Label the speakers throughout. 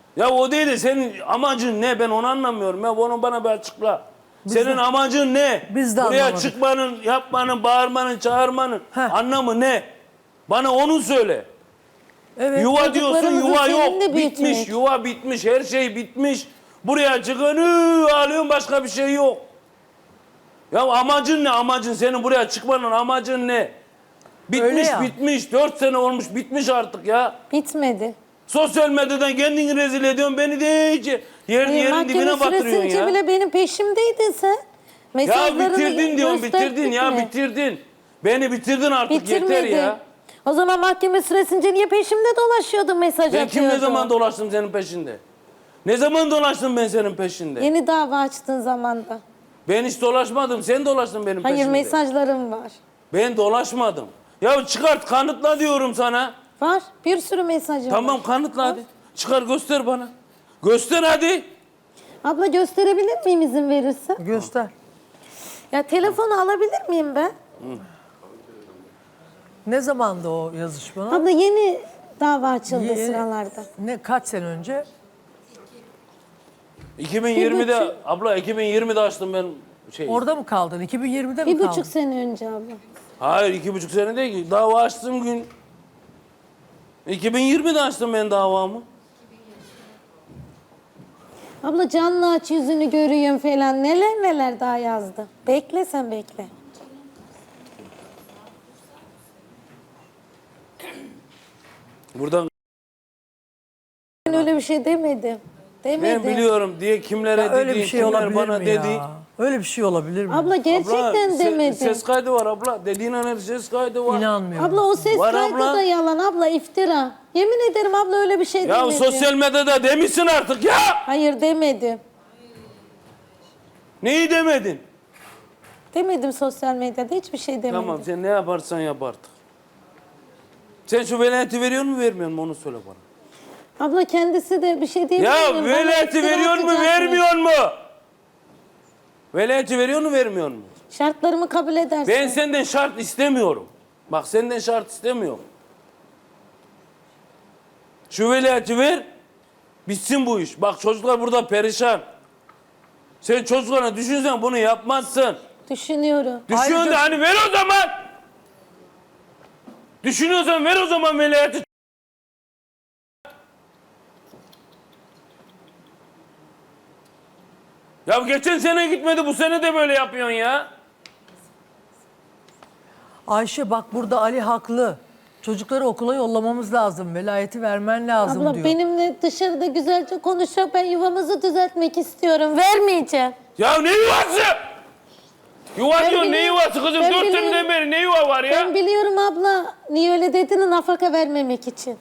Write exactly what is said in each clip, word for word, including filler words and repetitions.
Speaker 1: Ya o değil de senin amacın ne? Ben onu anlamıyorum. Ya onu bana bir açıkla.
Speaker 2: Biz
Speaker 1: senin
Speaker 2: de,
Speaker 1: amacın ne?
Speaker 2: Biz de
Speaker 1: Buraya
Speaker 2: anlamadık.
Speaker 1: çıkmanın, yapmanın, bağırmanın, çağırmanın
Speaker 2: Heh.
Speaker 1: anlamı ne? Bana onu söyle.
Speaker 2: Evet.
Speaker 1: Yuva diyorsun,
Speaker 3: Çocuklarımızı
Speaker 1: yuva yok.
Speaker 3: seninle
Speaker 1: Bitmiş,
Speaker 3: büyütmek.
Speaker 1: yuva bitmiş, her şey bitmiş. Buraya çıkın, ıı, ağlıyorsun, başka bir şey yok. Ya amacın ne? Amacın senin buraya çıkmanın amacın ne?
Speaker 2: Öyle
Speaker 1: Bitmiş,
Speaker 2: ya.
Speaker 1: bitmiş. Dört sene olmuş, bitmiş artık ya.
Speaker 3: Bitmedi.
Speaker 1: Sosyal medyadan kendini rezil ediyorsun, beni de iyice yer,
Speaker 3: E,
Speaker 1: yerin
Speaker 3: mahkeme
Speaker 1: dibine batırıyorsun
Speaker 3: süresince
Speaker 1: ya.
Speaker 3: bile benim peşimdeydin sen.
Speaker 1: Ya
Speaker 3: Mesajlarını
Speaker 1: bitirdin diyorsun,
Speaker 3: gösterdik
Speaker 1: bitirdin ya,
Speaker 3: mi?
Speaker 1: bitirdin. Beni bitirdin artık,
Speaker 3: Bitirmedim.
Speaker 1: yeter ya.
Speaker 3: O zaman mahkeme süresince niye peşimde dolaşıyordun, mesaj
Speaker 1: Ben
Speaker 3: atıyordun?
Speaker 1: kim ne zaman dolaştım senin peşinde? Ne zaman dolaştım ben senin peşinde?
Speaker 3: Yeni dava açtığın zamanda.
Speaker 1: Ben hiç dolaşmadım, sen dolaştın benim
Speaker 3: Hayır,
Speaker 1: peşimde.
Speaker 3: mesajlarım var.
Speaker 1: Ben dolaşmadım. Ya çıkart, kanıtla diyorum sana.
Speaker 3: Var. Bir sürü mesajım
Speaker 1: Tamam,
Speaker 3: var.
Speaker 1: kanıtla hadi. Çıkar, göster bana. Göster hadi.
Speaker 3: Abla gösterebilir miyim izin verirsen?
Speaker 2: Göster.
Speaker 3: Ya telefonu alabilir miyim ben?
Speaker 2: Ne zamandı o yazışma?
Speaker 3: Abla yeni dava açıldı
Speaker 2: Yeni-
Speaker 3: sıralarda.
Speaker 2: Ne kaç sene önce?
Speaker 1: iki bin yirmide,
Speaker 3: Bir buçuk-
Speaker 1: abla iki bin yirmide açtım ben şey.
Speaker 2: Orada mı kaldın? iki bin yirmide mi
Speaker 3: Bir
Speaker 2: kaldın?
Speaker 3: buçuk sene önce abla.
Speaker 1: Hayır, iki buçuk sene değil ki. Dava açtığım gün. iki bin yirmide açtım ben davamı.
Speaker 3: Abla canlı aç, yüzünü görüyorum falan. Neler neler daha yazdı. Bekle sen, bekle.
Speaker 1: Buradan
Speaker 3: Ben öyle bir şey demedim. Demedim.
Speaker 1: ben biliyorum diye kimlere
Speaker 2: Ya öyle
Speaker 1: dediğin,
Speaker 2: bir şey
Speaker 1: kimler
Speaker 2: olabilir
Speaker 1: bana
Speaker 2: mi
Speaker 1: dedi.
Speaker 2: ya? Öyle bir şey olabilir mi?
Speaker 3: Abla gerçekten
Speaker 1: Abla, se-
Speaker 3: demedim.
Speaker 1: ses kaydı var abla. Dediğin an ses kaydı var.
Speaker 2: İnanmıyorum.
Speaker 3: Abla o ses
Speaker 1: Var
Speaker 3: kaydı
Speaker 1: abla.
Speaker 3: da yalan abla, iftira. Yemin ederim abla öyle bir şey
Speaker 1: Ya
Speaker 3: demedim.
Speaker 1: sosyal medyada demişsin artık ya.
Speaker 3: Hayır demedim.
Speaker 1: Neyi demedin?
Speaker 3: Demedim, sosyal medyada hiçbir şey demedim.
Speaker 1: Tamam, sen ne yaparsan yap artık. Sen şu velayeti veriyor mu vermiyor mu onu söyle bana.
Speaker 3: Abla kendisi de bir şey diyemiyor.
Speaker 1: Ya velayeti veriyor mu vermiyor mu? Velayeti veriyor mu vermiyor mu?
Speaker 3: Şartlarımı kabul edersin.
Speaker 1: Ben senden şart istemiyorum. Bak, senden şart istemiyorum. Şu velayeti ver, bitsin bu iş. Bak, çocuklar burada perişan. Sen çocuklarına düşünsen bunu yapmazsın.
Speaker 3: Düşünüyorum.
Speaker 1: Düşünüyorsun
Speaker 2: Ayrıca-
Speaker 1: da hani ver o zaman. Düşünüyorsan ver o zaman velayeti. Ya geçen sene gitmedi, bu sene de böyle yapıyorsun ya.
Speaker 2: Ayşe bak, burada Ali haklı. Çocukları okula yollamamız lazım. Velayeti vermen lazım
Speaker 3: Abla
Speaker 2: diyor.
Speaker 3: benimle dışarıda güzelce konuşacak. Ben yuvamızı düzeltmek istiyorum. Vermeyeceğim.
Speaker 1: Ya ne yuvası? Yuva
Speaker 3: Ben
Speaker 1: diyorsun, ne
Speaker 3: biliyorum-
Speaker 1: yuvası kızım?
Speaker 3: ben
Speaker 1: Dört
Speaker 3: biliyorum.
Speaker 1: seneden beri ne yuva var ya?
Speaker 3: Ben biliyorum abla. Niye öyle dediğini, nafaka vermemek için.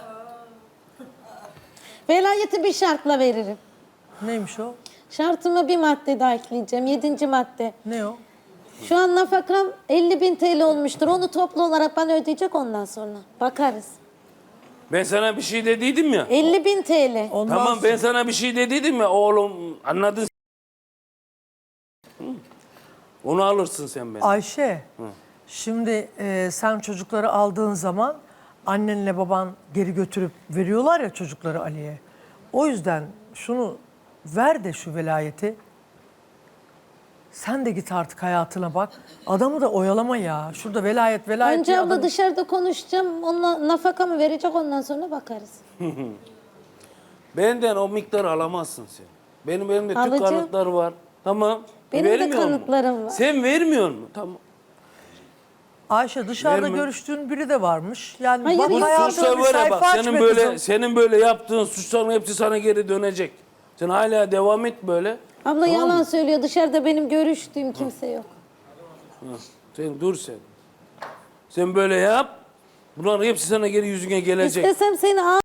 Speaker 3: Velayeti bir şartla veririm.
Speaker 2: Neymiş o?
Speaker 3: Şartıma bir madde daha ekleyeceğim. Yedinci madde.
Speaker 2: Ne o?
Speaker 3: Şu an nafakam elli bin T L olmuştur. Onu toplu olarak bana ödeyecek ondan sonra. Bakarız.
Speaker 1: Ben sana bir şey dediydim ya.
Speaker 3: elli bin T L.
Speaker 2: Ondan
Speaker 1: Tamam,
Speaker 2: sonra-
Speaker 1: ben sana bir şey dediydim ya oğlum, anladın. Hı. Onu alırsın sen benden.
Speaker 2: Ayşe, şimdi e, sen çocukları aldığın zaman annenle baban geri götürüp veriyorlar ya çocukları Ali'ye. O yüzden şunu ver de şu velayeti. Sen de git artık hayatına bak. Adamı da oyalama ya. Şurada velayet velayet
Speaker 3: Önce
Speaker 2: diye
Speaker 3: abla
Speaker 2: adam-
Speaker 3: dışarıda konuşacağım. Onunla nafakamı verecek, ondan sonra bakarız.
Speaker 1: Benden o miktarı alamazsın sen. Benim elimde tüm
Speaker 3: Alacağım.
Speaker 1: kanıtlar var. Tamam.
Speaker 3: Benim de
Speaker 1: Vermiyor mu?
Speaker 3: kanıtlarım var.
Speaker 1: Sen vermiyor mu? Tamam.
Speaker 2: Ayşe, dışarıda
Speaker 1: Verme.
Speaker 2: görüştüğün biri de varmış. Yani
Speaker 3: Hayır,
Speaker 2: bak
Speaker 3: yok.
Speaker 2: hayatına
Speaker 1: Suçlar
Speaker 2: bir
Speaker 1: var ya
Speaker 2: sayfa
Speaker 1: bak,
Speaker 2: aç
Speaker 1: senin
Speaker 2: be
Speaker 1: böyle
Speaker 2: kızım.
Speaker 1: senin böyle yaptığın suçların hepsi sana geri dönecek. Sen hala devam et böyle.
Speaker 3: Abla yalan söylüyor. Dışarıda benim görüştüğüm kimse yok.
Speaker 1: Hı. Sen dur sen. Sen böyle yap. Bunların hepsi sana geri yüzüne gelecek.
Speaker 3: İstesem seni al.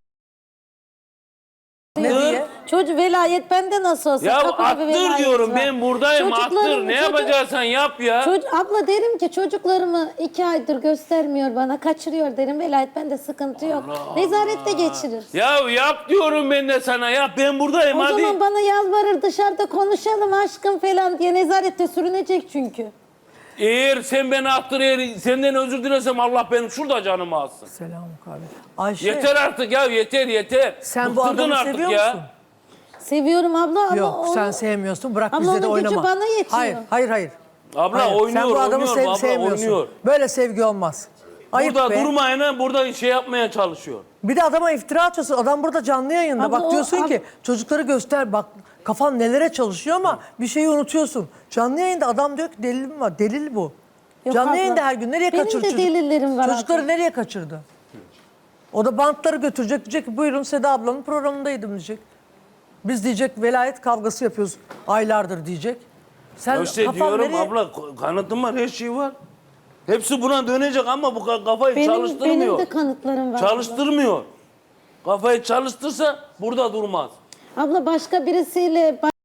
Speaker 2: Ne
Speaker 1: Dur.
Speaker 2: diye?
Speaker 3: Çocuk velayet bende nasıl olsa.
Speaker 1: Ya
Speaker 3: kapıda bir
Speaker 1: attır
Speaker 3: velayet
Speaker 1: diyorum,
Speaker 3: var.
Speaker 1: ben buradayım, attır.
Speaker 3: Çocuklarım-
Speaker 1: Ne
Speaker 3: çocuk-
Speaker 1: yapacaksan yap ya.
Speaker 3: Çocuk, abla derim ki çocuklarımı iki aydır göstermiyor bana, kaçırıyor derim. Velayet bende, sıkıntı yok. Nezarette geçirir.
Speaker 1: Ya yap diyorum ben de sana, yap, ben buradayım
Speaker 3: O
Speaker 1: hadi.
Speaker 3: zaman bana yalvarır, dışarıda konuşalım aşkım falan diye, nezarette sürünecek çünkü.
Speaker 1: Eğer sen beni attır, eğer senden özür dilesem Allah benim şurada canımı alsın.
Speaker 2: Selam abi. Ayşe
Speaker 1: Yeter artık ya, yeter yeter.
Speaker 2: sen bu
Speaker 1: Bıktırdın
Speaker 2: adamı
Speaker 1: artık
Speaker 2: seviyor
Speaker 1: ya.
Speaker 2: musun?
Speaker 3: Seviyorum abla ama
Speaker 2: Yok
Speaker 3: o...
Speaker 2: sen sevmiyorsun. Bırak
Speaker 3: Ama
Speaker 2: bizle de
Speaker 3: onun gücü
Speaker 2: oynama.
Speaker 3: bana yetiyor.
Speaker 2: Hayır, hayır, hayır.
Speaker 1: Abla
Speaker 2: Hayır,
Speaker 1: oynuyor,
Speaker 2: sen bu adamı
Speaker 1: oynuyor,
Speaker 2: sev-
Speaker 1: abla
Speaker 2: sevmiyorsun.
Speaker 1: oynuyor.
Speaker 2: Böyle sevgi olmaz. Ayıp
Speaker 1: Burada
Speaker 2: be.
Speaker 1: durmayın, burada şey yapmaya çalışıyor.
Speaker 2: Bir de adama iftira atıyorsun. Adam burada canlı yayında.
Speaker 3: Abla
Speaker 2: bak
Speaker 3: o-
Speaker 2: diyorsun
Speaker 3: ab-
Speaker 2: ki çocukları göster. Bak kafan nelere çalışıyor ama bir şeyi unutuyorsun. Canlı yayında adam diyor ki delilim var. Delil bu.
Speaker 3: Yok
Speaker 2: canlı
Speaker 3: abla.
Speaker 2: yayında her gün nereye
Speaker 3: Benim
Speaker 2: kaçırdı
Speaker 3: de
Speaker 2: çocuk?
Speaker 3: delillerim var
Speaker 2: Çocukları
Speaker 3: abla.
Speaker 2: nereye kaçırdı? O da bantları götürecek. Diyecek ki buyurun Seda ablanın programındaydım diyecek. Biz diyecek velayet kavgası yapıyoruz aylardır diyecek. Sen
Speaker 1: Ya işte
Speaker 2: kafan
Speaker 1: diyorum
Speaker 2: nereye-
Speaker 1: abla, kanıtım var, her şey var. Hepsi buna dönecek ama bu ka- kafayı
Speaker 3: Benim,
Speaker 1: çalıştırmıyor.
Speaker 3: benim de kanıtlarım var.
Speaker 1: Çalıştırmıyor. Kafayı çalıştırsa burada durmaz.
Speaker 3: Abla, abla başka birisiyle ba-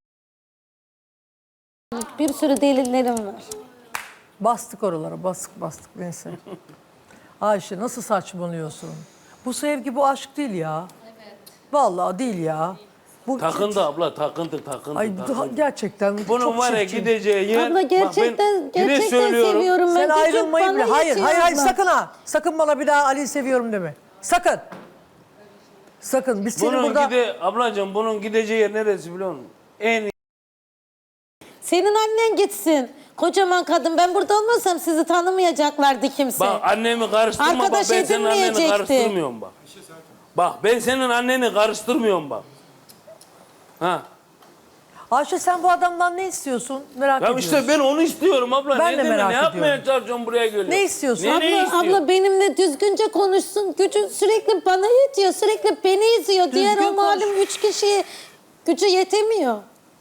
Speaker 3: bir sürü delillerim var.
Speaker 2: Bastık oralara, bastık bastık neyse. Ayşe nasıl saçmalıyorsun? Bu sevgi, bu aşk değil ya. Evet. Vallahi değil ya. Bu
Speaker 1: Takındı abla, takıntı, takıntı,
Speaker 2: Ay
Speaker 1: takıntı.
Speaker 2: gerçekten
Speaker 1: Bunun
Speaker 2: çok
Speaker 1: var ya
Speaker 2: çirkin.
Speaker 1: gideceği yer...
Speaker 3: Abla gerçekten
Speaker 1: bak ben yine
Speaker 3: gerçekten
Speaker 1: söylüyorum.
Speaker 3: seviyorum ben.
Speaker 2: Sen
Speaker 3: Çocuk
Speaker 2: ayrılmayı
Speaker 3: bana
Speaker 2: bile. Hayır,
Speaker 3: yetiyor
Speaker 2: hayır, hayır
Speaker 3: abla.
Speaker 2: sakın ha. Sakın bana bir daha Ali'yi seviyorum deme. Sakın. Sakın. Biz seni
Speaker 1: Bunun
Speaker 2: burada...
Speaker 1: gide, ablacığım bunun gideceği yer neresi biliyor musun? En
Speaker 3: Senin annen gitsin. Kocaman kadın. Ben burada olmasam sizi tanımayacaklardı kimse.
Speaker 1: Bak annemi karıştırma, bak
Speaker 3: Arkadaş
Speaker 1: ben senin anneni
Speaker 3: edinmeyecekti.
Speaker 1: karıştırmıyorum bak. Bak ben senin anneni karıştırmıyorum bak. Ha.
Speaker 2: Ayşe sen bu adamdan ne istiyorsun? Merak
Speaker 1: Ya
Speaker 2: ediyorum.
Speaker 1: işte ben onu istiyorum abla.
Speaker 2: Ben
Speaker 1: ne
Speaker 2: de
Speaker 1: deme,
Speaker 2: merak
Speaker 1: ne yapmaya
Speaker 2: ediyorum.
Speaker 1: çalışıyorsun buraya geliyorsun?
Speaker 2: Ne istiyorsun?
Speaker 1: Ne,
Speaker 3: abla,
Speaker 1: ne istiyor?
Speaker 3: abla benimle düzgünce konuşsun. Gücü sürekli bana yetiyor. Sürekli beni izliyor. Diğer
Speaker 2: Düzgün
Speaker 3: o malum
Speaker 2: konuş.
Speaker 3: üç kişiye gücü yetemiyor.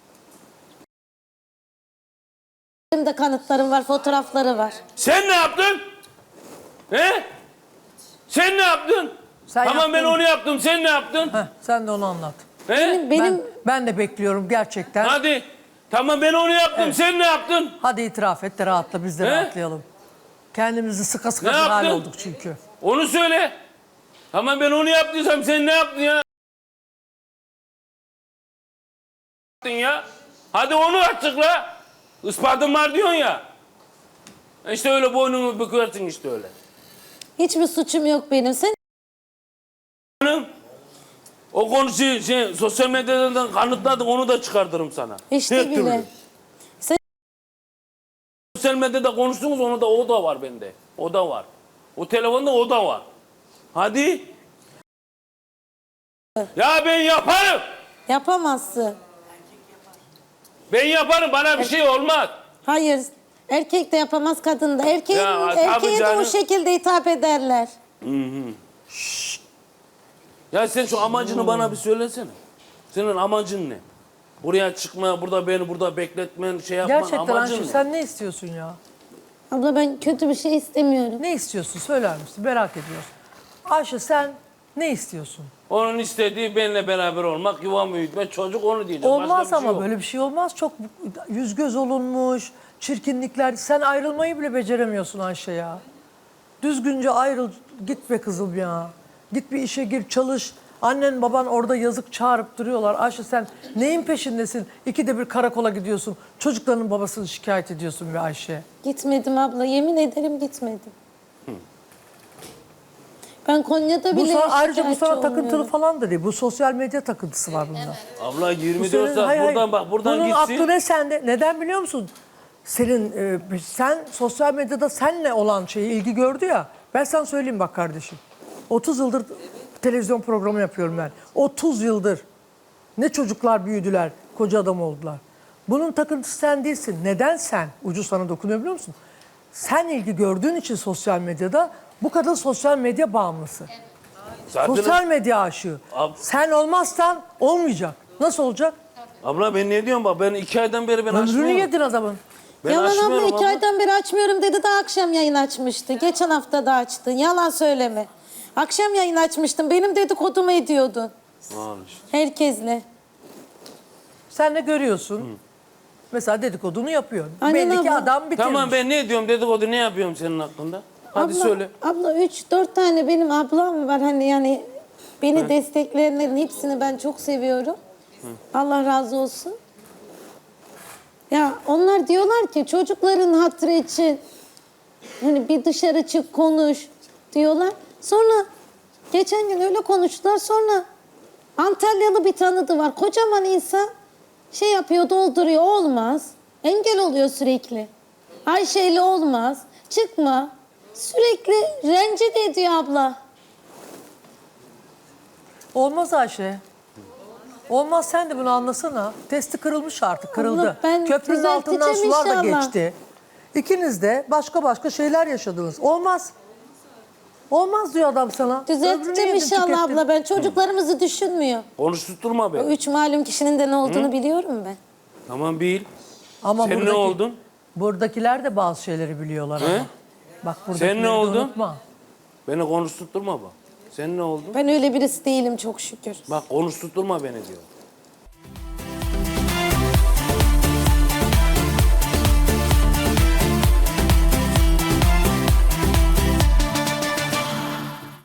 Speaker 3: Benim de kanıtlarım var, fotoğrafları var.
Speaker 1: Sen ne yaptın? He? Sen ne yaptın?
Speaker 2: Sen
Speaker 1: tamam ben
Speaker 2: yaptın.
Speaker 1: onu yaptım. Sen ne yaptın?
Speaker 2: Heh, sen de onu anlat.
Speaker 1: He?
Speaker 3: Benim, benim
Speaker 2: Ben, ben de bekliyorum gerçekten. Hadi,
Speaker 1: Hadi. Tamam ben onu yaptım. Sen ne yaptın?
Speaker 2: itiraf et de rahatla, biz de
Speaker 1: He?
Speaker 2: rahatlayalım. Kendimizi sıka sıka
Speaker 1: Ne
Speaker 2: bir hal
Speaker 1: yaptın?
Speaker 2: olduk çünkü.
Speaker 1: Onu söyle. Tamam ben onu yaptıysam sen ne yaptın ya? Yaptın ya. Hadi onu açıkla. Ispatın var diyorsun ya. İşte öyle boynunu büküyorsun işte öyle.
Speaker 3: hiçbir suçum yok benim. Sen
Speaker 1: Hanım, o konuyu şey, sosyal medyadan kanıtladık, onu da çıkartırım sana.
Speaker 3: işte
Speaker 1: Her
Speaker 3: bile.
Speaker 1: türlü.
Speaker 3: Sen
Speaker 1: Sosyal medyada konuştunuz, onu da o da var bende. O da var. O telefonda o da var. Hadi. Ya ben yaparım.
Speaker 3: yapamazsın.
Speaker 1: Ben yaparım. Bana bir şey olmaz.
Speaker 3: Hayır. Erkek de yapamaz, kadın da. Erkeğin,
Speaker 1: Ya, tabii
Speaker 3: erkeğe de o
Speaker 1: canım.
Speaker 3: şekilde hitap ederler.
Speaker 1: Ya sen şu amacını bana bir söylesene. Senin amacın ne? Buraya çıkma, burada beni burada bekletmen, şey yapman
Speaker 2: Gerçekten
Speaker 1: amacın
Speaker 2: Ayşe
Speaker 1: ne?
Speaker 2: sen ne istiyorsun ya?
Speaker 3: Abla ben kötü bir şey istemiyorum.
Speaker 2: Ne istiyorsun söyler misin? Merak ediyoruz. Ayşe sen ne istiyorsun?
Speaker 1: Onun istediği benimle beraber olmak, yuvamı büyütmek, çocuk onu diyecek. Başka
Speaker 2: Olmaz
Speaker 1: bir şey
Speaker 2: ama
Speaker 1: yok.
Speaker 2: böyle bir şey olmaz. Çok yüz göz olunmuş, çirkinlikler. Sen ayrılmayı bile beceremiyorsun Ayşe ya. Düzgünce ayrıl, git be kızım ya. Git bir işe gir, çalış. Annen baban orada yazık çağırıp duruyorlar. Ayşe sen neyin peşindesin? İkide bir karakola gidiyorsun. Çocuklarının babasını şikayet ediyorsun be Ayşe.
Speaker 3: Gitmedim abla. Yemin ederim gitmedim. Ben Konya'da
Speaker 2: Bu
Speaker 3: bile
Speaker 2: sana, ayrıca bu
Speaker 3: şikayetçi
Speaker 2: sana takıntılı
Speaker 3: olmuyorum.
Speaker 2: falan da değil. Bu sosyal medya takıntısı var bunda.
Speaker 1: Abla yirmi
Speaker 2: Bu senin-
Speaker 1: dört saat
Speaker 2: hayır, hayır.
Speaker 1: buradan bak, buradan
Speaker 2: Bunun
Speaker 1: gitsin.
Speaker 2: aklı ne sende? Neden biliyor musun? Senin, e, sen sosyal medyada seninle olan şeyi ilgi gördü ya. Ben sana söyleyeyim bak kardeşim. otuz yıldır televizyon programı yapıyorum ben. otuz yıldır. Ne çocuklar büyüdüler, koca adam oldular. Bunun takıntısı sen değilsin. Neden sen? Ucu sana dokunuyor biliyor musun? Sen ilgi gördüğün için sosyal medyada bu kadın sosyal medya bağımlısı.
Speaker 1: Zaten
Speaker 2: Sosyal medya aşığı.
Speaker 1: Ab-
Speaker 2: Sen olmazsan olmayacak. Nasıl olacak?
Speaker 1: abla ben ne diyorum bak, ben iki aydan beri ben
Speaker 2: Ömrünü
Speaker 1: açmıyorum.
Speaker 2: yedin adamın.
Speaker 1: Ben
Speaker 3: Yalan abla,
Speaker 1: açmıyorum
Speaker 3: iki
Speaker 1: abla.
Speaker 3: aydan beri açmıyorum dedi de akşam yayın açmıştı. Geçen hafta da açtın. Yalan söyleme. Akşam yayın açmıştın. Benim dedikodumu ediyordun.
Speaker 1: Al işte.
Speaker 3: Herkesle.
Speaker 2: Sen de görüyorsun. Mesela dedikodunu yapıyorsun.
Speaker 3: Aynen
Speaker 2: Belli ki
Speaker 3: abla.
Speaker 2: adam bitirmiş.
Speaker 1: Tamam ben ne diyorum, dedikodu ne yapıyorum senin hakkında? Hadi
Speaker 3: abla,
Speaker 1: söyle.
Speaker 3: Abla üç dört tane benim ablam var. Hani yani beni destekleyenlerin hepsini ben çok seviyorum. Allah razı olsun. Ya onlar diyorlar ki çocukların hatırı için hani bir dışarı çık konuş diyorlar. Sonra geçen gün öyle konuştular. Sonra Antalyalı bir tanıdığı var. Kocaman insan şey yapıyor, dolduruyor. Olmaz. Engel oluyor sürekli. Ayşe'yle olmaz. Çıkma. Sürekli rencide ediyor abla.
Speaker 2: Olmaz Ayşe. Olmaz, sen de bunu anlasana. Testi kırılmış artık, kırıldı.
Speaker 3: Allah, ben
Speaker 2: Köprünün altından
Speaker 3: düzelteceğim
Speaker 2: sular da
Speaker 3: inşallah.
Speaker 2: geçti. İkiniz de başka başka şeyler yaşadınız. Olmaz. Olmaz diyor adam sana. Ömrünü
Speaker 3: Düzelteceğim
Speaker 2: yedin,
Speaker 3: inşallah
Speaker 2: tükettin.
Speaker 3: abla. Ben çocuklarımızı düşünmüyor.
Speaker 1: Konuşturma
Speaker 3: O
Speaker 1: beni.
Speaker 3: üç malum kişinin de ne olduğunu biliyorum ben.
Speaker 1: Tamam bil.
Speaker 2: Ama
Speaker 1: Sen ne
Speaker 2: buradaki-
Speaker 1: oldun?
Speaker 2: Buradakiler de bazı şeyleri biliyorlar
Speaker 1: He?
Speaker 2: ama. Bak buradakileri
Speaker 1: Sen ne
Speaker 2: de
Speaker 1: oldun?
Speaker 2: unutma.
Speaker 1: Beni konuşturma bak. Sen ne oldun?
Speaker 3: Ben öyle birisi değilim çok şükür.
Speaker 1: Bak konuşturma beni diyor.